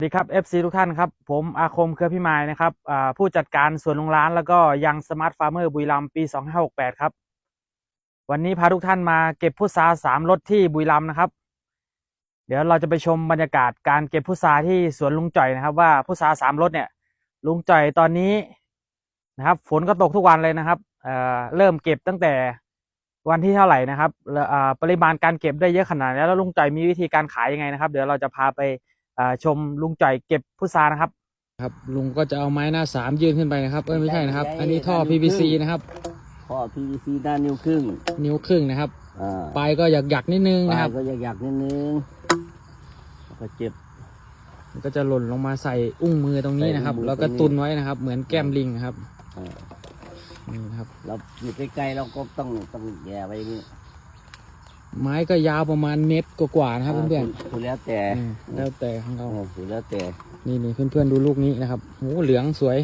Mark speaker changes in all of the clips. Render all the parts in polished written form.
Speaker 1: สวัสดีครับ FC ทุกท่านครับผมอาคมเครือพิมายนะครับผู้จัดการสวนลุงร้านแล้วก็ยังสมาร์ทฟาร์มเมอร์บุรีรัมย์ปี2568ครับวันนี้พาทุกท่านมาเก็บพุทรา3รสที่บุรีรัมย์นะครับเดี๋ยวเราจะไปชมบรรยากาศการเก็บพุทราที่สวนลุงจ่อยนะครับว่าพุทรา3รสเนี่ยลุงจ่อยตอนนี้นะครับฝนก็ตกทุกวันเลยนะครับเริ่มเก็บตั้งแต่วันที่เท่าไหร่นะครับปริมาณการเก็บได้เยอะขนาดนี้แล้วลุงจ่อยมีวิธีการขายยังไงนะครับเดี๋ยวเราจะพาไปชมลุงจ่อยเก็บพุทรานะครับครับลุงก็จะเอาไม้หน้า3ยื่นขึ้นไปนะครับไม่ใช่นะครับอันนี้ท่อ PVC นะครับ
Speaker 2: ท่อ PVC ด้านนิ้วครึ่ง
Speaker 1: นะครับปลายก็หยักนิดนึงนะครับ
Speaker 2: ก็หยักนิดนึงก็เจ็บ
Speaker 1: มันก็จะหล่นลงมาใส่อุ้งมือตรงนี้นะครับแล้วก็ตุนไว้นะครับเหมือนแก้มลิงนะครับนี่นะครับ
Speaker 2: เราอยู่ใกล้ๆเราก็ต้องแย่ไปอย่างนี้
Speaker 1: ไม้ก็ยาวประมาณเมตรกว่านะครับเพื่อน
Speaker 2: ๆแล้วแต่
Speaker 1: ของเรา
Speaker 2: แล้วแต่
Speaker 1: นี่เพื่อนๆดูลูกนี้นะครับโอ้เหลืองสวย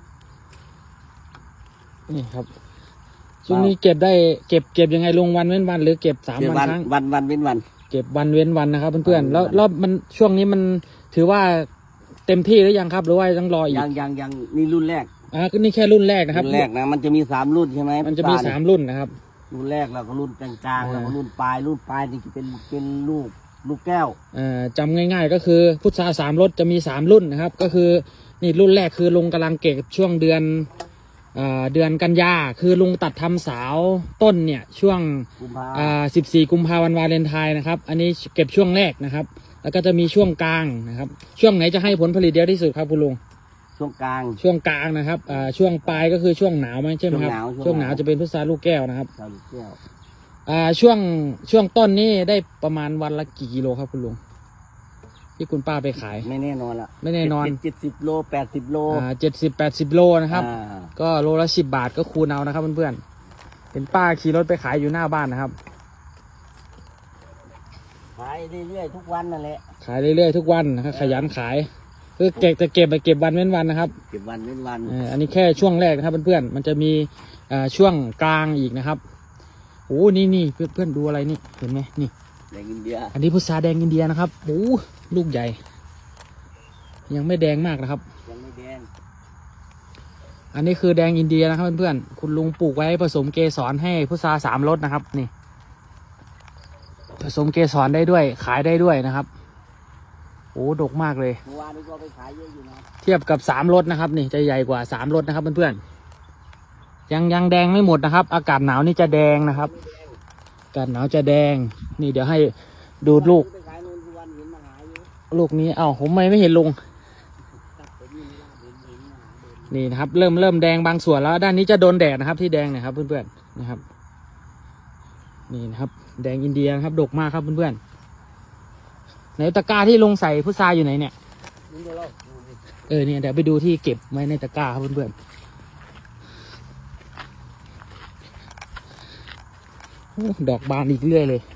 Speaker 1: นี่ครับช่วงนี้เก็บได้เก็บยังไงลงวันเว้นวันหรือเก็บ3 วันครั้ง
Speaker 2: วันเว้นวัน
Speaker 1: เก็บวันเว้นวันนะครับเพื่อนๆแล้วมันช่วงนี้มันถือว่าเต็มที่หรือยังครับหรือว่าต้องรออีก
Speaker 2: ยังนี่รุ่นแรก
Speaker 1: ก็นี่แค่รุ่นแรกนะครับ
Speaker 2: รุ่นแรกนะมันจะมี3รุ่นใช่ไหม
Speaker 1: มันจะมี3รุ่นนะครับ
Speaker 2: รุ่นแรกเราก็รุ่นกลางๆแล้วก็รุ่นปลายนี่จะเป็นลูกแก้ว
Speaker 1: จำง่ายๆก็คือพุทรา3รสจะมี3รุ่นนะครับก็คือนี่รุ่นแรกคือลุงกำลังเก็บช่วงเดือนกันยาคือลุงตัดทำสาวต้นเนี่ยช่วง14 กุมภาพันธ์วาเลนไทน์นะครับอันนี้เก็บช่วงแรกนะครับแล้วก็จะมีช่วงกลางนะครับช่วงไหนจะให้ผลผลิตเยอะที่สุดครับคุณลุง
Speaker 2: ช่วงกล
Speaker 1: างนะครับช่วงปลายก็คือช่วงหนาวไหมใช่ไหมครับช่วงหนาวจะเป็นพุทราลูกแก้วนะครับช่วงต้นนี้ได้ประมาณวันละกี่กิโลครับคุณลุงที่คุณป้าไปขาย
Speaker 2: ไม่แน่นอนละ
Speaker 1: ไม่แน่นอน
Speaker 2: 70 โล80 โล
Speaker 1: 70-80 โลนะครับก็โลละ10 บาทก็คูณเอานะครับเพื่อนๆเป็นป้าขี่รถไปขายอยู่หน้าบ้านนะครับ
Speaker 2: ขายเรื่อยๆทุกวันนั่นแหละ
Speaker 1: ขายเรื่อยๆทุกวันนะครับขยันขายคือเก็บวันเว้นวันนะครับ
Speaker 2: เก็บวันเว้นวัน
Speaker 1: อันนี้แค่ช่วงแรกนะครับเพื่อนๆมันจะมีช่วงกลางอีกนะครับโอ้นี่เพื่อนๆดูอะไรนี่เห็นไหมนี่
Speaker 2: แดงอินเดีย
Speaker 1: อันนี้พุทราแดงอินเดียนะครับโอ้ลูกใหญ่ยังไม่แดงมากนะครับ
Speaker 2: ยังไม่แดง
Speaker 1: อันนี้คือแดงอินเดียนะครับเพื่อนๆคุณลุงปลูกไว้ผสมเกสรให้พุทรา3รสนะครับนี่ผสมเกสรได้ด้วยขายได้ด้วยนะครับโอ้ดกมากเลย
Speaker 2: เมื่อวานนี้ก็ไปขายเยอะอยู่นะ
Speaker 1: เทียบกับ3รสนะครับนี่จะใหญ่กว่า3รสนะครับเพื่อนๆยังแดงไม่หมดนะครับอากาศหนาวนี่จะแดงนะครับอากาศหนาวจะแดงนี่เดี๋ยวให้ดูลูกนี้ผมไม่เห็นลุงนี่นะครับเริ่มแดงบางส่วนแล้วด้านนี้จะโดนแดดนะครับที่แดงนะครับเพื่อนๆนะครับนี่นะครับแดงอินเดียนะครับดกมากครับเพื่อนๆในตะกร้าที่ลงใส่พุทราอยู่ไหนเนี่ยเนี่ยเดี๋ยวไปดูที่เก็บไว้ในตะกร้าครับเพื่อนๆดอกบานอีกเรื่อยเลย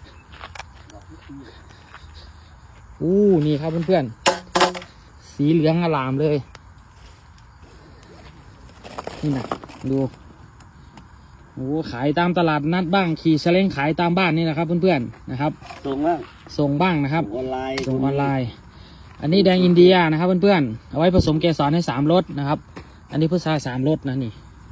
Speaker 1: นี่ครับเพื่อนๆสีเหลืองอลามเลยนี่นะดูขายตามตลาดนัดบ้างขี่เสล้งขายตามบ้านนี่นะครับเพื่อนๆนะครับส่งบ้างนะครับส่งออนไลน์อันนี้แดงอินเดียนะครับเพื่อนๆเอาไว้ผสมเกสรให้3รสนะครับอันนี้พุทรา3รสนะนี่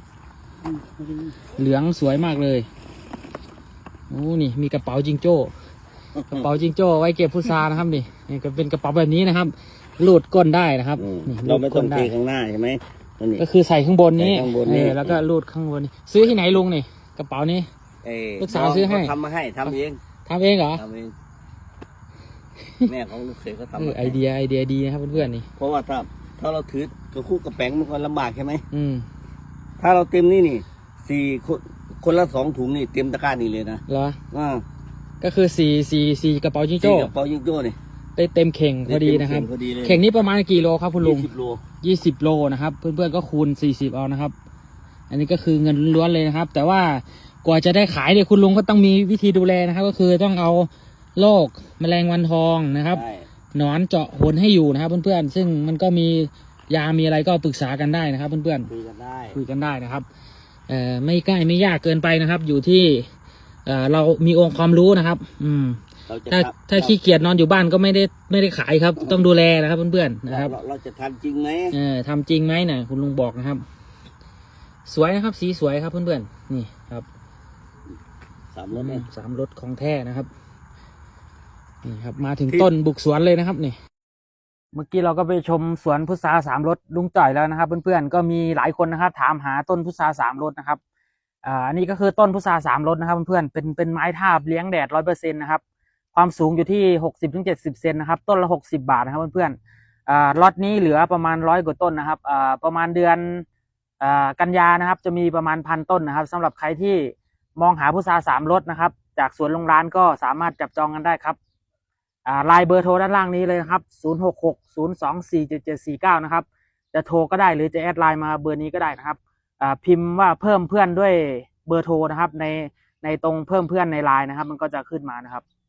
Speaker 1: เหลืองสวยมากเลยนี่มีกระเป๋าจิงโจ้ไว้เก็บพุทรานะครับนี่ก็เป็นกระเป๋าแบบนี้นะครับลูดก้นได้นะครับ
Speaker 2: เราไม่ต้องเทข้างหน้าใช่ไหม
Speaker 1: ก็คือใส่ข้างบนนี้แล้วก็ลูดข้างบนนี้ซื้อที่ไหนลุงนี่กระเป๋านี้ลูกสาวซื้อให้
Speaker 2: ทำมาให้ทำเอง
Speaker 1: เหรอ
Speaker 2: ทำเองแม่ของลูกเขยเขาทำ
Speaker 1: ไอเดียดีนะครับเพื่อนๆนี่
Speaker 2: เพราะว่าถ้าเราถือกระคู่กระแป้งมันก็ลำบากใช่ไหมถ้าเราเต็มนี่คนละ2 ถุงนี่เต็มตะกร้านี่เลยนะ
Speaker 1: เหรอก็คือ4กระเป๋าจิงโจ้
Speaker 2: นี่
Speaker 1: ได้เต็มเข่งพอดีนะครับเข่งนี้ประมาณกี่โลครับคุณลุง20 โลนะครับเพื่อนๆก็คูณ40เอานะครับอันนี้ก็คือเงินล้วนเลยนะครับแต่ว่ากว่าจะได้ขายเนี่ยคุณลุงก็ต้องมีวิธีดูแลนะครับก็คือต้องเอาโรคแมลงวันทองนะครับหนอนเจาะหนให้อยู่นะครับเพื่อนๆซึ่งมันก็มียามีอะไรก็ปรึกษากันได้นะครับเพื่อน
Speaker 2: ๆคุยกัน
Speaker 1: ได้นะครับไม่ใกล้ไม่ยากเกินไปนะครับอยู่ที่เรามีองค์ความรู้นะครับ
Speaker 2: เราจะ
Speaker 1: ถ้าขี้เกียจนอนอยู่บ้านก็ไม่ได้ขายครับ ต้องดูแลนะครับเพื่อนๆนะครับ
Speaker 2: เราจะทำจริงไหม
Speaker 1: ทำจริงไหมนะคุณลุงบอกนะครับ สวยนะครับ สีสวยครับเพื่อนๆนี่ครับ
Speaker 2: 3 รถเนี่ย
Speaker 1: 3 รถของแท้นะครับนี่ครับ มาถึงต้นบุกสวนเลยนะครับนี่ เมื่อกี้เราก็ไปชมสวนพุทรา3 รสลุงจ่อยแล้วนะครับเพื่อนๆก็มีหลายคนนะครับ ถามหาต้นพุทรา3 รสนะครับอันนี้ก็คือต้นพุทรา3 รสนะครับเพื่อนๆเป็นไม้ทาบเลี้ยงแดด100%นะครับความสูงอยู่ที่60-70 เซนนะครับต้นละ60 บาทนะครับเพื่อนๆล็อตนี้เหลือประมาณ100 กว่าต้นนะครับประมาณเดือนกันยานะครับจะมีประมาณ1,000 ต้นนะครับสำหรับใครที่มองหาพุทรา3 รสนะครับจากสวนโรงร้านก็สามารถจับจองกันได้ครับไลน์เบอร์โทรด้านล่างนี้เลยนะครับ0660247749นะครับจะโทรก็ได้หรือจะแอดไลน์มาเบอร์นี้ก็ได้นะครับพิมพ์ว่าเพิ่มเพื่อนด้วยเบอร์โทรนะครับในตรงเพิ่มเพื่อนในไลน์นะครับมันก็จะขึ้นมานะครับ